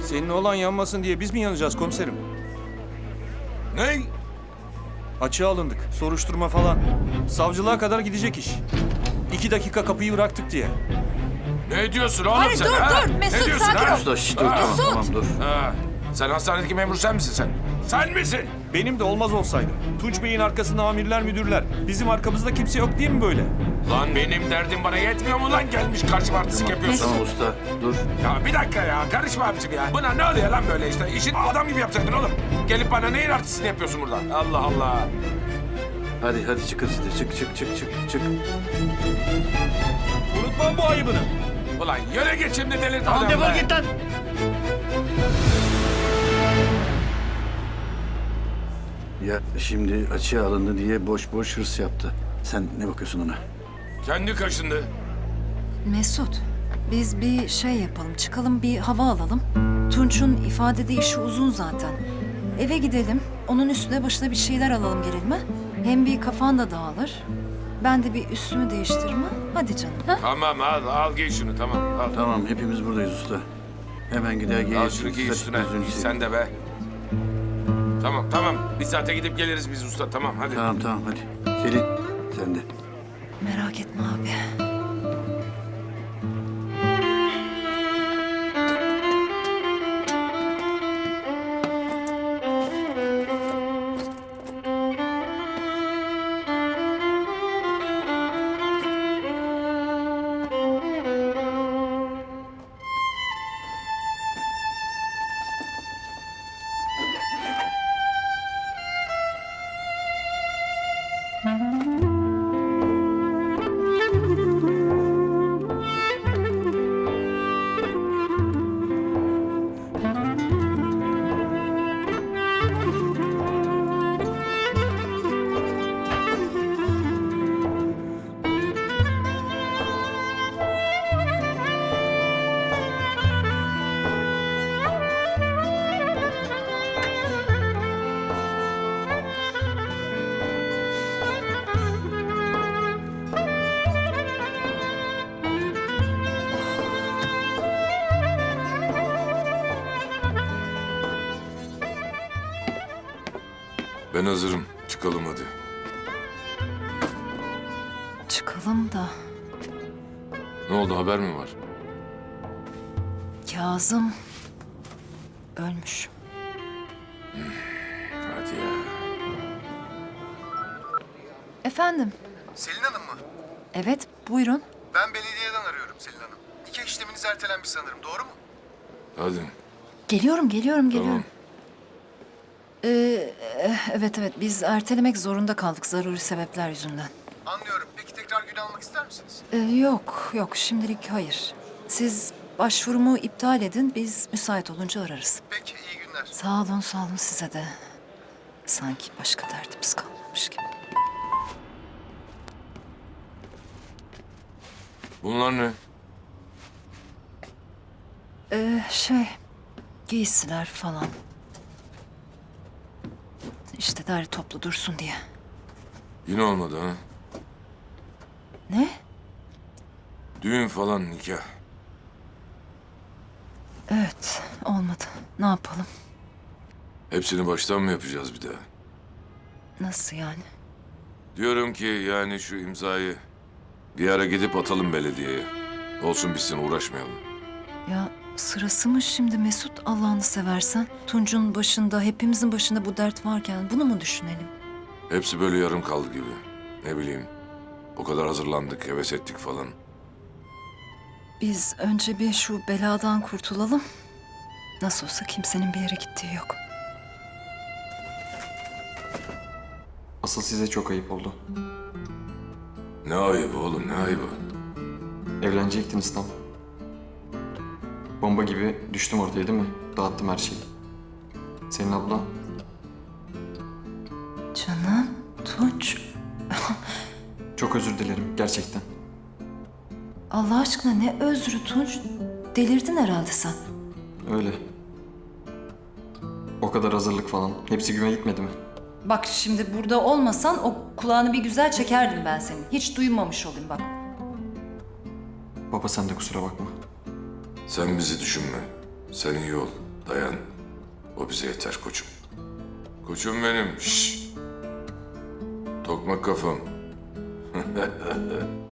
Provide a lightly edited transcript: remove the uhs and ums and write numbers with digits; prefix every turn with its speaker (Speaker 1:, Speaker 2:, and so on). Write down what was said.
Speaker 1: Senin olan yanmasın diye biz mi yanacağız komiserim?
Speaker 2: Ne?
Speaker 1: Açığa alındık. Soruşturma falan. Savcılığa kadar gidecek iş. 2 dakika kapıyı bıraktık diye.
Speaker 2: Ne diyorsun oğlum
Speaker 3: Hayır,
Speaker 2: sen
Speaker 3: dur,
Speaker 2: ha?
Speaker 3: dur. Mesut,
Speaker 2: ne diyorsun,
Speaker 3: sakin
Speaker 2: ha?
Speaker 3: ol.
Speaker 4: Usta şişt, dur tamam, tamam dur.
Speaker 2: Ha, sen hastanedeki memur sen misin sen? Sen misin?
Speaker 1: Benim de olmaz olsaydı. Tunç Bey'in arkasında amirler müdürler. Bizim arkamızda kimse yok değil mi böyle?
Speaker 2: Lan benim derdim bana yetmiyor mu lan gelmiş karşıma artistik yapıyorsun?
Speaker 4: Tamam usta dur.
Speaker 2: Ya bir dakika ya karışma abicim ya. Buna ne oluyor lan böyle işte? İşin adam gibi yapacaktın oğlum. Gelip bana neyin artistini yapıyorsun burada? Allah Allah.
Speaker 4: Hadi hadi çık hızlı çık.
Speaker 1: Unutmam bu ayıbını.
Speaker 2: Ulan yöne geç şimdi delirt
Speaker 5: Tamam
Speaker 2: adamı.
Speaker 5: defol git lan.
Speaker 4: Ya şimdi açığa alındı diye boş boş hırs yaptı. Sen ne bakıyorsun ona?
Speaker 2: Kendi kaşındı.
Speaker 3: Mesut, biz bir şey yapalım. Çıkalım bir hava alalım. Tunç'un ifadede işi uzun zaten. Eve gidelim. Onun üstüne başına bir şeyler alalım gelelim ha? Hem bir kafan da dağılır. Ben de bir üstümü değiştirme. Hadi canım. Ha?
Speaker 2: Tamam al giy şunu tamam al.
Speaker 4: Tamam hepimiz buradayız usta. Hemen gider
Speaker 2: Al
Speaker 4: geliriz.
Speaker 2: şunu giy
Speaker 4: Saç
Speaker 2: üstüne.
Speaker 4: gözünü
Speaker 2: Giy
Speaker 4: sil.
Speaker 2: sen de be. Tamam. Bir saate gidip geliriz biz usta tamam hadi.
Speaker 4: Tamam hadi. Selin sen de.
Speaker 3: Merak etme abi.
Speaker 2: Ben hazırım çıkalım hadi.
Speaker 3: Çıkalım da
Speaker 2: Ne oldu haber mi var?
Speaker 3: Kazım ölmüş.
Speaker 2: Hadi ya.
Speaker 3: Efendim?
Speaker 6: Selin Hanım mı?
Speaker 3: Evet, buyurun.
Speaker 6: Ben belediyeden arıyorum Selin Hanım. Nikah işleminiz ertelenmiş sanırım, doğru mu?
Speaker 2: Hadi.
Speaker 3: Geliyorum.
Speaker 2: Tamam.
Speaker 3: Evet, biz ertelemek zorunda kaldık zaruri sebepler yüzünden.
Speaker 6: Anlıyorum. Peki tekrar gün almak ister misiniz?
Speaker 3: Yok, şimdilik hayır. Siz başvurumu iptal edin, biz müsait olunca ararız.
Speaker 6: Peki, iyi günler.
Speaker 3: Sağ olun size de. Sanki başka derdimiz kalmamış gibi.
Speaker 2: Bunlar ne?
Speaker 3: Giysiler falan. İşte derli toplu dursun diye.
Speaker 2: Yine olmadı ha.
Speaker 3: Ne?
Speaker 2: Düğün falan nikah.
Speaker 3: Evet, olmadı. Ne yapalım?
Speaker 2: Hepsini baştan mı yapacağız bir daha?
Speaker 3: Nasıl yani?
Speaker 2: Diyorum ki yani şu imzayı bir ara gidip atalım belediyeye. Olsun bitsin uğraşmayalım.
Speaker 3: Ya sırası mı şimdi Mesut Allah'ını seversen? Tunç'un başında, hepimizin başında bu dert varken bunu mu düşünelim?
Speaker 2: Hepsi böyle yarım kaldı gibi. Ne bileyim. O kadar hazırlandık, heves ettik falan.
Speaker 3: Biz önce bir şu beladan kurtulalım. Nasıl olsa kimsenin bir yere gittiği yok.
Speaker 5: Asıl size çok ayıp oldu.
Speaker 2: Ne ayıbı oğlum, ne ayıbı?
Speaker 5: Evlenecektiniz tam. Bomba gibi düştüm ortaya değil mi? Dağıttım her şeyi. Senin abla
Speaker 3: Canım, Tunç.
Speaker 5: çok özür dilerim gerçekten.
Speaker 3: Allah aşkına ne özrü Tunç? Delirdin herhalde sen.
Speaker 5: Öyle. O kadar hazırlık falan. Hepsi güme gitmedi mi?
Speaker 3: Bak şimdi burada olmasan o kulağını bir güzel çekerdim ben senin. Hiç duymamış olayım bak.
Speaker 5: Baba sen de kusura bakma.
Speaker 2: Sen bizi düşünme. Sen iyi ol.
Speaker 7: Dayan. O bize yeter koçum. Koçum benim. Şşş. Tokmak kafam.